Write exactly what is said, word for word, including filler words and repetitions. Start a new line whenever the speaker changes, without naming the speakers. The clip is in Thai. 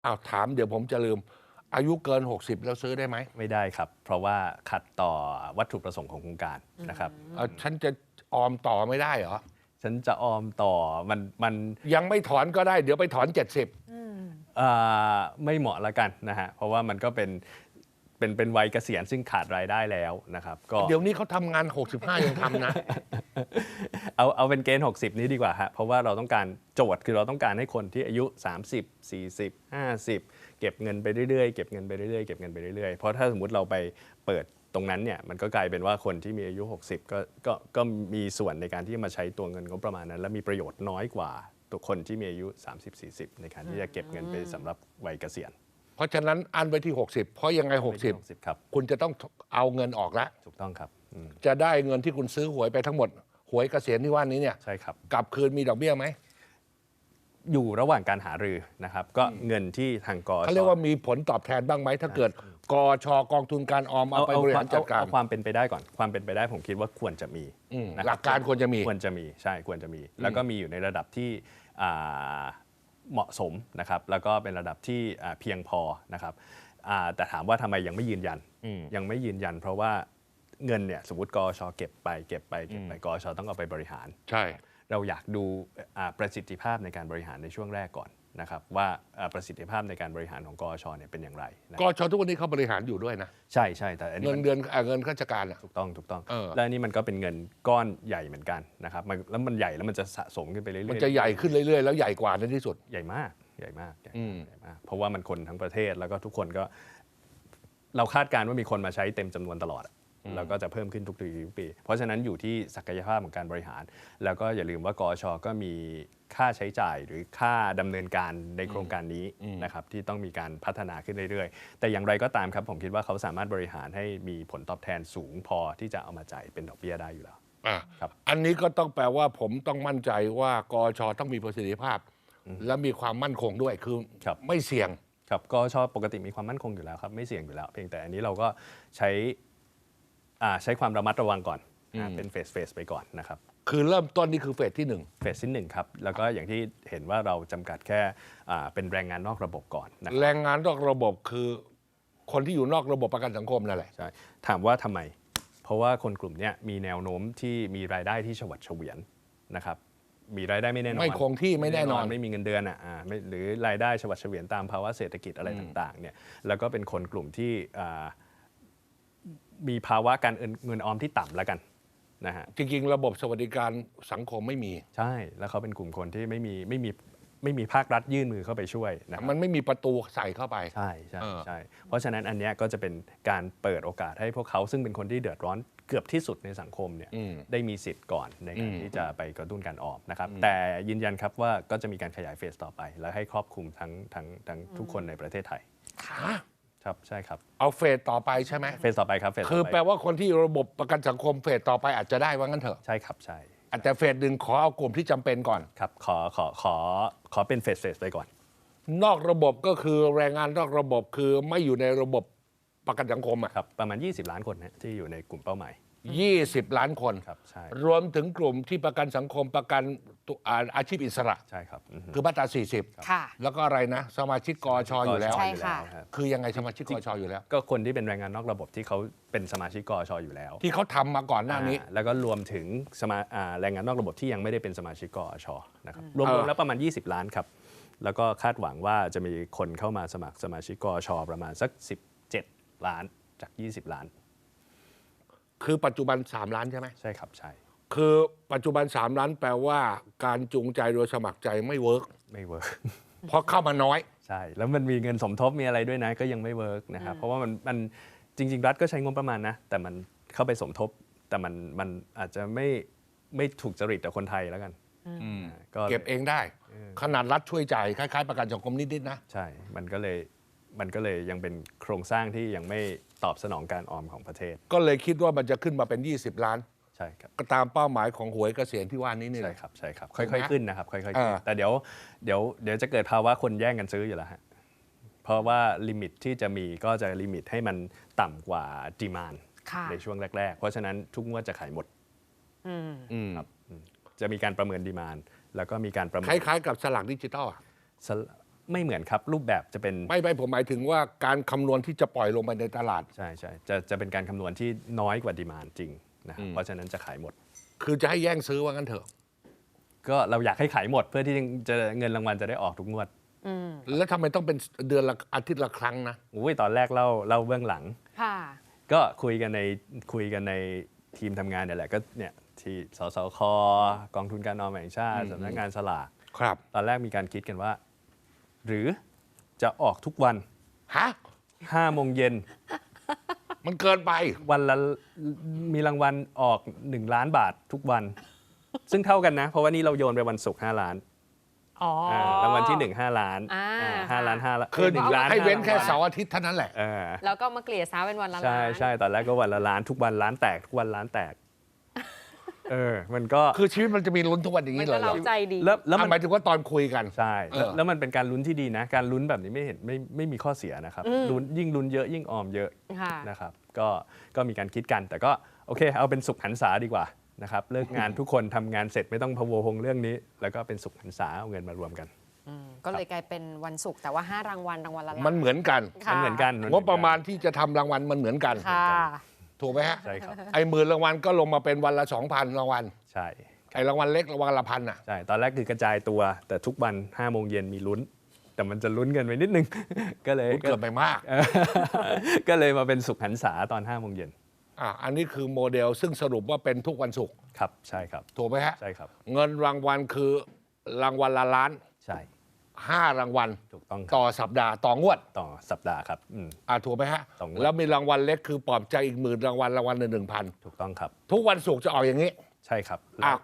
อ้าวถามเดี๋ยวผมจะลืมอายุเกินหกสิบแล้วซื้อได้ไหม
ไม่ได้ครับ เพราะว่าขัดต่อวัตถุประสงค์ของโครงการนะครับ
เอ่อฉันจะออมต่อไม่ได้เหรอ
ฉันจะออมต่อมันมัน
ยังไม่ถอนก็ได้เดี๋ยวไปถอนเจ็ดสิบ
เอ่อไม่เหมาะละกันนะฮะเพราะว่ามันก็เป็นเป็นเป็นวัยเกษียณซึ่งขาดรายได้แล้วนะครับก็
เดี๋ยวนี้เขาทำงานหกสิบห้ายังทำนะ
เอาเอาเป็นเกณฑ์หกสิบนี้ดีกว่าฮะเพราะว่าเราต้องการโจทย์คือเราต้องการให้คนที่อายุสามสิบ สี่สิบ ห้าสิบเก็บเงินไปเรื่อยๆเก็บเงินไปเรื่อยๆเก็บเงินไปเรื่อยๆเพราะถ้าสมมติเราไปเปิดตรงนั้นเนี่ยมันก็กลายเป็นว่าคนที่มีอายุหกสิบก็ก็ก็มีส่วนในการที่มาใช้ตัวเงินงบประมาณนั้นและมีประโยชน์น้อยกว่าตัวคนที่มีอายุสามสิบ สี่สิบในการที่จะเก็บเงินไปสำหรับวัยเกษียณ
เพราะฉะนั้นอันไว้ที่หกสิบเพราะยังไงหกสิบ
ครับ
คุณจะต้องเอาเงินออกแล้ว
ถูกต้องครับอืม
จะได้เงินที่คุณซื้อหวยไปทั้งหมดหวยเกษียณที่ว่านี้เนี่ย
ใช่ครับ
กลับคืนมีดอกเบี้ยไหม
อยู่ระหว่างการหารือนะครับก็เงินที่ทางกช
เขาเรียกว่ามีผลตอบแทนบ้างไหมถ้าเกิดกชกองทุนการออมเอาไปบริหารจัดการ
เอาความเป็นไปได้ก่อนความเป็นไปได้ผมคิดว่าควรจะมี
หลักการควรจะมี
ควรจะมีใช่ควรจะมี แล้วก็มีอยู่ในระดับที่เหมาะสมนะครับแล้วก็เป็นระดับที่เพียงพอนะครับแต่ถามว่าทำไมยังไม่ยืนยันยังไม่ยืนยันเพราะว่าเงินเนี่ยสมมติกชเก็บไปเก็บไปเก็บไปกชต้องเอาไปบริหาร
ใช่
เราอยากดูประสิทธิภาพในการบริหารในช่วงแรกก่อนนะครับว่าประสิทธิภาพในการบริหารของกชเนี่ยเป็นอย่างไร
กชทุกวันนี้เขาบริหารอยู่ด้วยนะ
ใช่ใช่แต่
เงินเดือนเงินข้าราชการ
ถูกต้องถูกต้องแล้วนี่มันก็เป็นเงินก้อนใหญ่เหมือนกันนะครับแล้วมันใหญ่แล้วมันจะสะสมขึ้นไปเรื่อยๆ
มันจะใหญ่ขึ้นเรื่อยๆแล้วใหญ่กว่าในที่สุด
ใหญ่มากใหญ่มากใหญ่มากเพราะว่ามันคนทั้งประเทศแล้วก็ทุกคนก็เราคาดการณ์ว่ามีคนมาใช้เต็มจำนวนตลอดแล้วก็จะเพิ่มขึ้นทุกปีทุกปีเพราะฉะนั้นอยู่ที่ศักยภาพของการบริหารแล้วก็อย่าลืมว่ากชก็มีค่าใช้จ่ายหรือค่าดำเนินการในโครงการนี้นะครับที่ต้องมีการพัฒนาขึ้นเรื่อยๆแต่อย่างไรก็ตามครับผมคิดว่าเขาสามารถบริหารให้มีผลตอบแทนสูงพอที่จะเอามาจ่ายเป็นดอกเบี้ยได้อยู่แล้ว
อ่าครับอันนี้ก็ต้องแปลว่าผมต้องมั่นใจว่ากชต้องมีประสิทธิภาพและมีความมั่นคงด้วยคือไม่เสี่ยง
ครับกชปกติมีความมั่นคงอยู่แล้วครับไม่เสี่ยงอยู่แล้วเพียงแต่อันนี้เราก็ใช้ใช้ความระมัดระวังก่อนเป็นเฟสเฟสไปก่อนนะครับ
คือเริ่มต้นนี่คือเฟสที่หนึ่ง
เฟสที่หนึ่งครับแล้วก็อย่างที่เห็นว่าเราจำกัดแค่เป็นแรงงานนอกระบบก่อนนะ
แรงงานนอกระบบคือคนที่อยู่นอกระบบประกันสังคมนั่นแหละ
ใช่ถามว่าทำไมเพราะว่าคนกลุ่มนี้มีแนวโน้มที่มีรายได้ที่ฉวัดเฉวียนนะครับมีรายได้ไม่แน่นอน
ไม่คงที่ไม่แน่นอน
ไม่มีเงินเดือนอ่ะหรือรายได้ฉวัดเฉวียนตามภาวะเศรษฐกิจอะไรต่างๆเนี่ยแล้วก็เป็นคนกลุ่มที่มีภาวะการเงินออมที่ต่ำแล้วกันนะฮะ
จริงๆระบบสวัสดิการสังคมไม่มี
ใช่แล้วเขาเป็นกลุ่มคนที่ไม่มีไม่มีไม่มีภาครัฐยื่นมือเข้าไปช่วยนะ
มันไม่มีประตูใส่เข้าไป
ใช่ใช่ใช่เพราะฉะนั้นอันนี้ก็จะเป็นการเปิดโอกาสให้พวกเขาซึ่งเป็นคนที่เดือดร้อนเกือบที่สุดในสังคมเนี่ยได้มีสิทธิ์ก่อนในการที่จะไปกระตุ้นการออมนะครับแต่ยืนยันครับว่าก็จะมีการขยายเฟสต่อไปและให้ครอบคลุมทั้งทั้งทั้งทุกคนในประเทศไทยครับใช่ครับ
เอาเฟสต่อไปใช่ไหม
เฟสต่อไปครับเฟส
คือแปลว่าคนที่ระบบประกันสังคมเฟสต่อไปอาจจะได้ว่างั้นเถอะ
ใช่ครับใช่
อาจจะเฟสหนึ่งขอเอากลุ่มที่จำเป็นก่อน
ครับขอขอขอขอเป็นเฟสเฟสไปก่อน
นอกระบบก็คือแรงงานนอกระบบคือไม่อยู่ในระบบประกันสังคมอ่ะ
ครับประมาณยี่สิบล้านคนนะที่อยู่ในกลุ่มเป้าหมาย
ยี่สิบล้านคน
ครับใช่
รวมถึงกลุ่มที่ประกันสังคมประกันอาชีพอิสระ
ใช่ครับ
คือมาตราสี่สิบ
ค่ะ
แล้วก็อะไรนะสมาชิกกชอยู่แล้ว
ใช่ค่ะ
คือยังไงสมาชิกกชอยู่แล้ว
ก็คนที่เป็นแรงงานนอกระบบที่เขาเป็นสมาชิกกชอยู่แล้ว
ที่เขาทำมาก่อนหน้านี้
แล้วก็รวมถึงสมาแรงงานนอกระบบที่ยังไม่ได้เป็นสมาชิกกชนะครับรวมๆแล้วประมาณยี่สิบล้านครับแล้วก็คาดหวังว่าจะมีคนเข้ามาสมัครสมาชิกกชประมาณสักสิบเจ็ดล้านจากยี่สิบล้าน
คือปัจจุบันสามล้านใช่ไหม
ใช่ครับใช่
คือปัจจุบันสามล้านแปลว่าการจูงใจโดยสมัครใจไม่เวิร์ก
ไม่เวิร์ก
เพราะเข้ามาน้อย
ใช่แล้วมันมีเงินสมทบมีอะไรด้วยนะก็ยังไม่เวิร์กนะครับเพราะว่ามันมันจริงๆรัฐก็ใช้งบประมาณนะแต่มันเข้าไปสมทบแต่มันมันอาจจะไม่ไม่ถูกจริตกับคนไทยแล้วกัน
ก็เก็บเองได้ขนาดรัฐช่วยจ่ายคล้ายๆประกันสังคมนิดๆนะ
ใช่มันก็เลยมันก็เลยยังเป็นโครงสร้างที่ยังไม่ตอบสนองการออมของประเทศ
ก็เลยคิดว่ามันจะขึ้นมาเป็นยี่สิบล้าน
ใช่ครับ
ก็ตามเป้าหมายของหวยเกษียณที่ว่านี้นี่
ใช่ครับใช่ครับค่อยๆขึ้นนะครับค่อยๆขึ้นแต่เดี๋ยวเดี๋ยวเดี๋ยวจะเกิดภาวะคนแย่งกันซื้ออยู่แล้วฮะเพราะว่าลิมิตที่จะมีก็จะลิมิตให้มันต่ำกว่าดีมานด์ในช่วงแรกๆเพราะฉะนั้นทุกงวดจะขายหมดครับจะมีการประเมินดีมานด์แล้วก็มีการประเมิน
คล้ายๆกับสลากดิจิตอล
ไม่เหมือนครับรูปแบบจะเป็น
ไม่ไม่ผมหมายถึงว่าการคำนวณที่จะปล่อยลงไปในตลาด
ใช่ใช่จะจะเป็นการคำนวณที่น้อยกว่าดีมานด์จริงนะครับเพราะฉะนั้นจะขายหมด
คือจะให้แย่งซื้อว่างั้นเถอะ
ก็เราอยากให้ขายหมดเพื่อที่จะเงินรางวัลจะได้ออกทุกงวด
แล้วทำไมต้องเป็นเดือนละอาทิตย์ละครั้งนะ
อุ้ยตอนแรกเล่าเล่าเบื้องหลัง
ค่ะ
ก็คุยกันในคุยกันในทีมทำงานเนี่ยแหละก็เนี่ยที่สสคกองทุนการออมแห่งชาติสำนักงานสลาก
ครับ
ตอนแรกมีการคิดกันว่า หรือจะออกทุกวัน
ฮะ
ห้าโมงเย็น
มันเกินไป
วันละมีรางวัลออกหนึ่งล้านบาททุกวัน ซึ่งเท่ากันนะ เพราะว่านี่เราโยนไปวันศุกร์ห้าล้าน
อ๋ออ่
ารางวัลที่หนึ่งห้าล้าน
อ่า
อ่าห้าล้านห้าล้าน
คือ
หนึ่งล้าน
ให้เว้น
ห้
แค่
รางวัล
เสาร์อาทิตย์เท่านั้นแหละ
เออ
แล้วก็มาเกลี่ยซ้าเป็นวันละล้าน
ใช่ใช่ตอนแรกก็วันละล้านทุกวันล้านแตกทุกวันล้านแตก เออ มันก็
คือชีวิตมันจะมีลุ้นทุกวันอย่าง
มัน
นี้เล
ก็
ยเหร
เรา
อ
ใจดี
แล้วแล้ว
อ่ะ
มัน
หมายถึงว่าตอนคุยกัน
ใช่แล้ว
เออ
แล้วมันเป็นการลุ้นที่ดีนะ การลุ้นแบบนี้ไม่เห็นไม่ไม่มีข้อเสียนะครับลุ้นยิ่งลุ้นเยอะยิ่งออมเยอะ
ค่ะ
นะครับก็ก็มีการคิดกัน แต่ก็โอเค เอาเป็นสุขหันษาดีกว่านะครับเลิกงานทุกคนทำงานเสร็จไม่ต้องพะวงเรื่องนี้ แล้วก็เป็นสุขหันษาเอาเงินมารวมกัน
ก็เลยกลายเป็นวันศุกร์แต่ว่าห้ารางวัลรางวัลละล้าน
มันเหมือนกัน
ค่ะ
มันเหมือนกัน
งบประมาณที่จะทำรางวัลมันเหมือนกัน
ค่ะ
ถูกไหมฮะ
ใช่ครับ
ไอ้หมื่นรางวัลก็ลงมาเป็นวันละสองพันรางวัล
ใช่
ไอ้รางวัลเล็กรางวัลละพันอ่ะ
ใช่ตอนแรกคือกระจายตัว แต่ทุกวันห้าโมงเย็นมีลุ้น แต่มันจะลุ้นกันไปนิดนึง ก็เลย
เกิดไปมาก
เออก็เลยมาเป็นสุขหันษาตอนห้าโมงเย็น
อ่ะอันนี้คือโมเดลซึ่งสรุปว่าเป็นทุกวันศุกร์
ครับใช่ครับ
ถูกไหมฮะ
ใช่ครับ
เงินรางวัลคือรางวัลละล้าน
ใช่
ห้ารางวัล
ถูกต้องครับ
ต่อสัปดาห์ต่องวด
ต่อสัปดาห์ครับอืม
อ่ะถูกไหมฮะ
ต่องวด
แล้วมีรางวัลเล็กคือปลอบใจอีกหมื่นรางวัลรางวัลละหนึ่งพัน
ถูกต้องครับ
ทุกวันศุกร์จะออกอย่างนี้
ใช่ครับ
อ่ะ